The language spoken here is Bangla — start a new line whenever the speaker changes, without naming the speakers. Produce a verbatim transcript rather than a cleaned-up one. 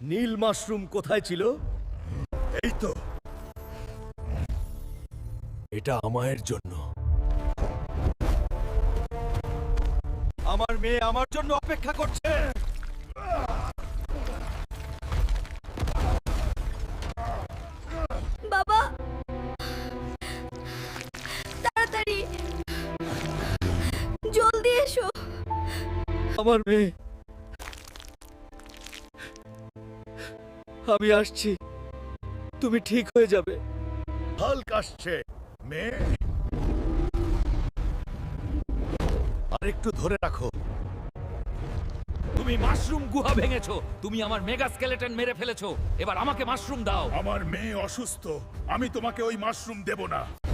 নীল মাশরুম কোথায় ছিল?
এই তো।
এটা আমায়ের জন্য। আমার মেয়ে আমার জন্য অপেক্ষা করছে।
বাবা, তাড়াতাড়ি জলদি এসো।
আমার মেয়ে, আমি আসছি, তুমি ঠিক হয়ে যাবে।
হাল্ক আসছে মেয়ে। আর একটু ধরে রাখো।
তুমি মাশরুম গুহা ভেঙেছো, তুমি আমার মেগা স্কেলেটন মেরে ফেলেছো, এবার আমাকে মাশরুম দাও।
আমার মেয়ে অসুস্থ, আমি তোমাকে ওই মাশরুম দেব না।